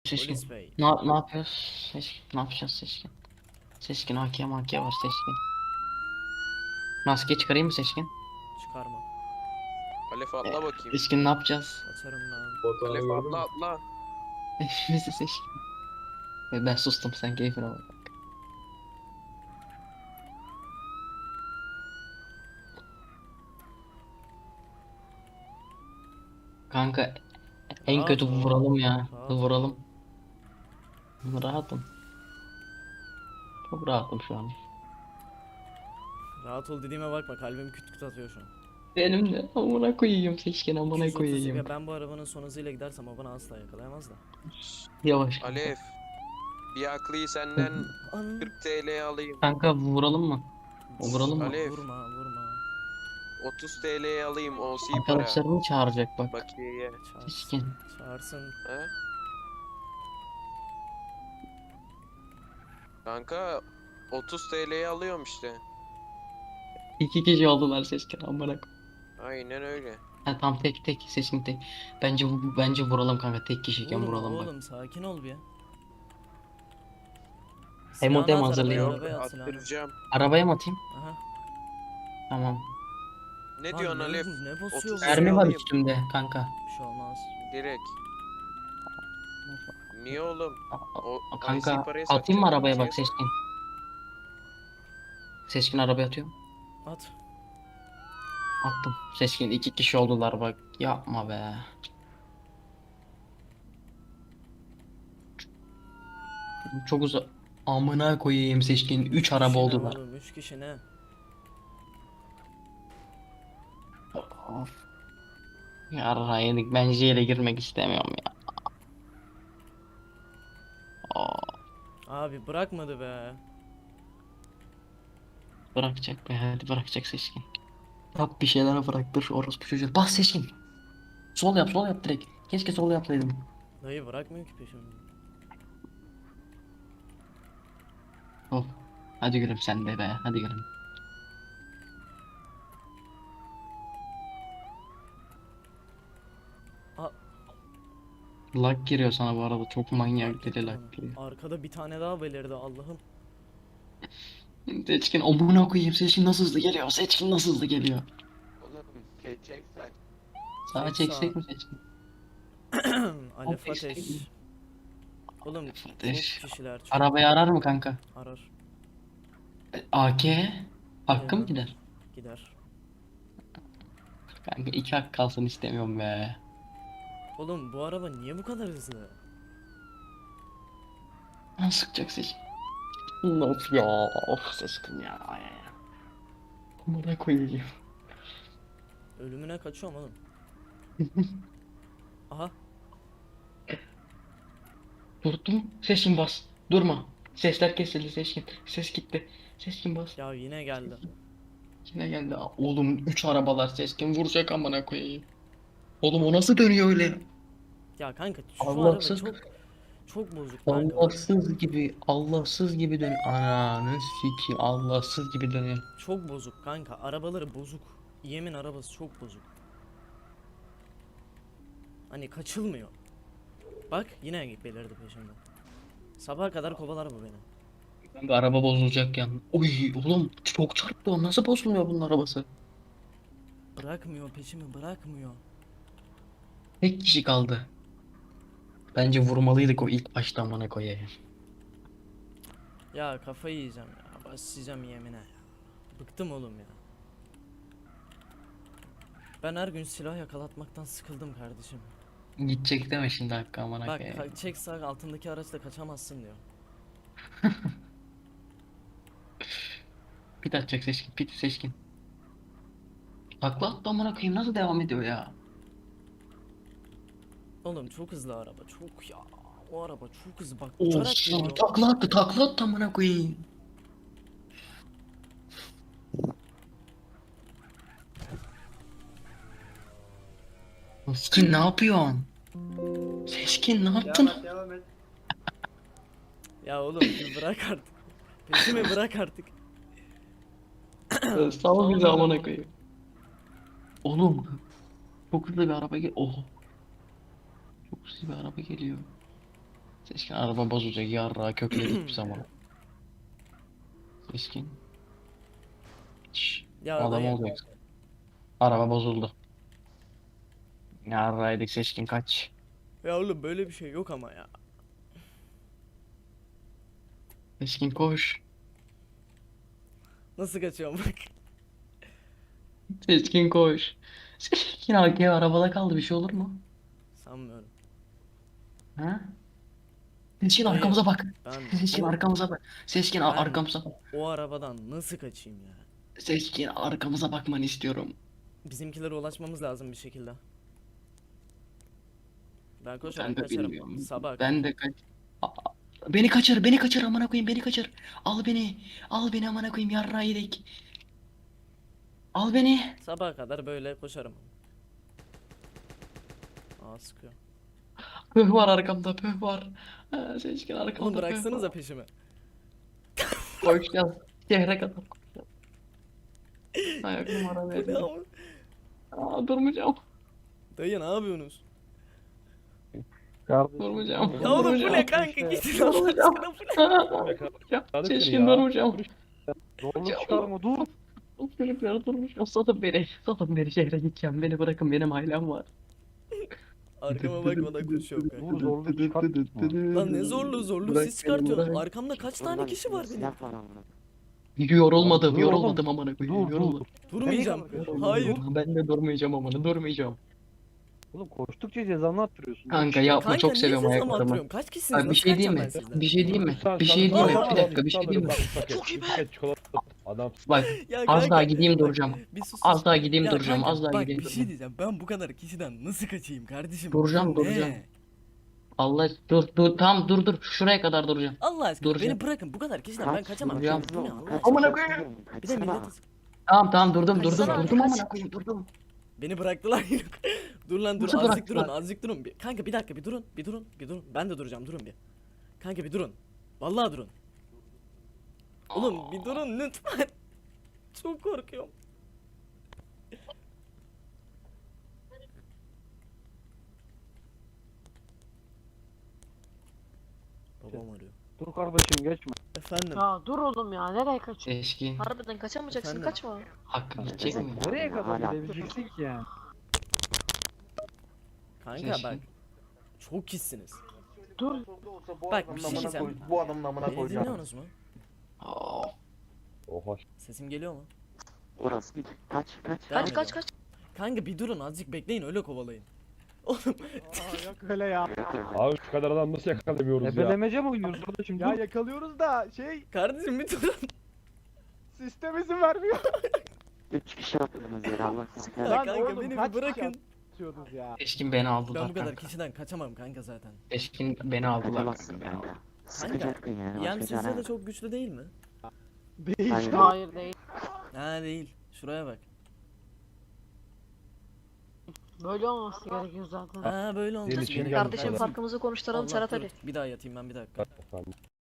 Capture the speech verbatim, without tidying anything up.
Seçkin. Polis bey. Ne, ne yapıyoruz? Seçkin. Ne yapacağız Seçkin? Seçkin A K M A K var Seçkin. Maske çıkarayım mı Seçkin? Çıkarma. Alef E, atla bakayım. Seçkin ne yapacağız? Kaçarım ben. Fotoğrafı Alef gördün atla mü? atla. Hepimizi Seçkin. Ve ben sustum sen keyfine bak. Kanka en Rahat kötü ol. vuralım ya. Rahat Vuralım. ol. Rahatım. Çok rahatım şu an. Rahat ol dediğime bakma, kalbim küt küt atıyor şu an. Benim de amına koyayım Seçkin amına iki yüz otuz koyayım. ya, ben bu arabanın son hızıyla gidersem o bana asla yakalayamaz da. Yavaş kanka. Alef. Bir aklıyı senden An kırk T L'ye alayım. Kanka vuralım mı? Vuralım mı? Alev. Vurma vurma. otuz T L'ye alayım O C para. Arkadaşlarını çağıracak bak. Bakiyeye. Seçkin. Çağırsın. Çağırsın. He? Kanka otuz T L'ye alıyorum işte. İki kişi oldular Seçkin amına koyayım. Aynen öyle. Ha tam tek tek Seçkin tek. Bence bu- bence vuralım kanka tek kişiyken Vurma vuralım bak. oğlum, sakin ol bir. Hem o Silahını dem at arabaya, hazırlayalım. arabaya at silahını. Attıracağım. Arabaya mı atayım? Aha. Tamam. Ne Lan diyorsun ne- Alef? Ne basıyor otuz bu? Mermi Mermi var alayım. üstümde kanka. Bir şey olmaz. Direkt. Niye oğlum? O A- I C Kanka parayı atayım mı satacak, arabaya şeye bak sat. Seçkin. Seçkin arabaya atıyorum. At. Attım. Seçkin iki kişi oldular bak. Yapma be. Çok uzak. Amına koyayım Seçkin. Üç araba Kişi ne oldular. oğlum, üç kişi ne? Of. Yarra yedik. Ben J'yle girmek istemiyorum ya. Aa, Abi bırakmadı be. bırakacak be. Hadi bırakacak Seçkin. Yap bir şeyler bıraktır. Orospu çocuğu. Bas Seçkin. Sol yap sol yap direkt. Keşke sol yapsaydım. Dayı bırakmıyor ki peşimi. Sol. Hadi gülüm sen de be. Hadi gülüm. Aa, Lag giriyor sana bu arada. Çok manyak fark deli ettim lag onu. giriyor. Arkada bir tane daha belirdi Allah'ım. Seçkin amına koyayım. Seçkin nasıl hızlı geliyor? Seçkin nasıl hızlı geliyor? Oğlum geçeceksen. Sağa Çek çeksek sağa. mi Seçkin? Alef Ateş ateş. değil. Oğlum Ateş. çok kişiler çok Arabayı arar mı kanka? arar. A K hakkım Ya. gider. Gider. Kanka iki hak kalsın istemiyorum be. Oğlum bu araba niye bu kadar hızlı? Lan sıkacak Seçkin. Of ya. Of Seçkin ya. Ay, ay. Amına koyayım. Ölümüne kaçıyorum oğlum. Aha. Durdum. Seçkin bas. Durma. Sesler kesildi Seçkin. Ses gitti. Seçkin bas. Ya yine geldi. Yine geldi. Oğlum üç arabalar Seçkin vuracak amına koyayım. Oğlum o nasıl dönüyor öyle? Ya kanka şu Allahsız. araba çok çok bozuk kanka. Allahsız gibi, Allahsız gibi dön. Ananı sikeyim, Allahsız gibi dönüyor. Çok bozuk kanka. Arabaları bozuk. Yemin arabası çok bozuk. Hani kaçılmıyor. Bak yine belirdi peşimden. Sabaha kadar kovalar bu beni. Kanka araba bozulacak yani. Oy oğlum çok çarptı o. Nasıl bozulmuyor bunun arabası? Bırakmıyor peşimi, bırakmıyor. Tek kişi kaldı. Bence vurmalıydık o ilk başta amına koyayım. Ya kafayı yiyeceğim ya. Başlayacağım yemine ya. Bıktım oğlum ya. Ben her gün silah yakalatmaktan sıkıldım kardeşim. Gidecek deme şimdi hakkı amına Bak koyayım. ka- çek sağ altındaki araçla kaçamazsın diyor. Pit atacak seçkin, pit seçkin. Takla attı amına koyayım nasıl devam ediyor ya? Oğlum çok hızlı araba çok ya. O araba çok hızlı bak Of uçarak geliyor. takla attı takla attı amına koyayım. Seçkin ne yapıyorsun? Seçkin ne yaptın? Devam et devam et. Ya oğlum bir bırak artık. Peşimi bırak artık. Sağ bizi amına koyayım. Oğlum çok hızlı bir araba gel. Oh. Çok hızlı bir araba geliyor. Seçkin araba bozulacak yarra kökledik bir zaman. Seçkin. Şşş, Ya adam dayı. olacaksın. Araba bozuldu. Yarraydık seçkin kaç. Ya oğlum böyle bir şey yok ama ya. Seçkin koş. Nasıl kaçıyorum bak. Seçkin koş. Seçkin arkaya arabada kaldı bir şey olur mu? Sanmıyorum. Ha? Seçkin Dayı, arkamıza bak. Ben Seçkin o, arkamıza bak. Seçkin ar- ben arkamıza bak. o arabadan nasıl kaçayım ya? Seçkin arkamıza bakmanı istiyorum. Bizimkilere ulaşmamız lazım bir şekilde. Ben koşarak Ben de kaçarım. bilmiyorum. Sabah Ben de kaç. Aa, beni kaçır, beni kaçır amına koyayım, beni kaçır. Al beni. Al beni amına koyayım yarra yedik. Al beni. sabaha kadar böyle koşarım. Aa sıkıyor. Pöh var arkamda, pöh var. Ha, Seçkin arkamda Oğlum pöh bıraksanıza var. peşimi. Koşacağız. Şehre kadar koşacağız. Ayak numara Bu ne verdim. ama? Aa, durmayacağım. Dayı ne yapıyorsunuz? Durmayacağım. Ya oğlum bu ne Durmayacağım. kanka gitsin Allah Durmayacağım. aşkına bu ne? Ya, Hadi Seçkin ya. durmayacağım. Zorluk çıkarma dur. Çocuklar durmayacağım. Satın beni. Satın beni şehre gideceğim. Beni bırakın benim ailem var. Arkama bakmadan koşuyorum kanka. Dur zorluk çıkartma. Lan ne zorluğu zorluğu Bırak siz beni, çıkartıyorsunuz. bırak. Arkamda kaç tane kişi var benim? Yorulmadım, Dur yorulmadım oğlum. amına Dur koyayım. dur. Yorulmadım. Durmayacağım. Durmayacağım. Hayır. Ben de durmayacağım amına, durmayacağım. Oğlum koştukça cezanı arttırıyorsun. Kanka yapma, Kanka çok niye seviyorum siz ama ayaklarımı. attırıyorum? Kaç kişisiniz? Abi bir Nasıl şey diyeyim kaçacağım mi? ben sizden? Bir şey diyeyim mi? Sen- Bir sen- şey diyeyim mi? Tamam, Bir tamam, dakika, bir şey diyeyim mi? alırım, bak, paket, paket çikolata. Adam Bak, Ya az kanka, daha gideyim bak, duracağım. Bir sus. Az sus. daha gideyim Ya duracağım. kanka, Az daha bak, gideyim bir şey duracağım. diyeceğim. Ben bu kadar kişiden nasıl kaçayım kardeşim? Duracağım, Bu ne? duracağım. Allah dur dur tamam dur dur şuraya kadar duracağım. Allah aşkına Duracağım. beni bırakın. Bu kadar kişiden ben kaçamam. Duracağım. Bu ne Allah aşkına? Amına koyayım. Bir de millet Tamam tamam durdum durdum Kaçsana, durdum kaç. amına koyayım durdum. beni bıraktılar. Dur lan dur. Nasıl Azıcık bıraktılar? durun. Azıcık durun. Bir- Kanka bir dakika bir durun. Bir durun. Bir durun. Ben de duracağım. Durun bir. Kanka bir durun. Vallahi durun. Oğlum bir durun lütfen. Çok korkuyorum. Babam arıyor. dur kardeşim geçme. Efendim. Ya dur oğlum ya nereye kaçıyorsun? Eski Harbiden kaçamayacaksın Efendim? kaçma. hakkı gidecek mi? Nereye kadar gidebileceksin ki yani? Kanka Keşke. bak. Çok kişisiniz. Dur. Bak bir şey diyeceğim. Bu adamın amına Beni dinliyorsunuz mu? Aa, Oha. Sesim geliyor mu? Orası kaç kaç. Devam Kaç kaç ediyorum. kaç. Kanka bir durun azıcık bekleyin öyle kovalayın. Oğlum Yok öyle ya. Abi şu kadar adam nasıl yakalamıyoruz ya? Ebelemece mi oynuyoruz kardeşim? Ya Dur. yakalıyoruz da şey kardeşim bir durun. sistem izin vermiyor. Üç kişi attınız ya Allah sizi Ya Lan kahretsin. kanka oğlum, beni kaç bir kişi bırakın. Atıyordunuz ya. Eşkin beni aldılar Ben bu kadar kanka. kişiden kaçamam kanka zaten. Eşkin beni aldılar Kaçamazsın kanka. kanka. Sıkacaktın yani. Yem başka sizce çare de yok. çok güçlü değil mi? Değil. Hayır. Hayır değil. Ha değil. Şuraya bak. Böyle olması gerekiyor zaten. Ha böyle olmuş. Senin için Benim geldim Kardeşim kardeşim. farkımızı konuşturalım Allah Serhat dur. Ali. Bir daha yatayım ben bir dakika. Efendim.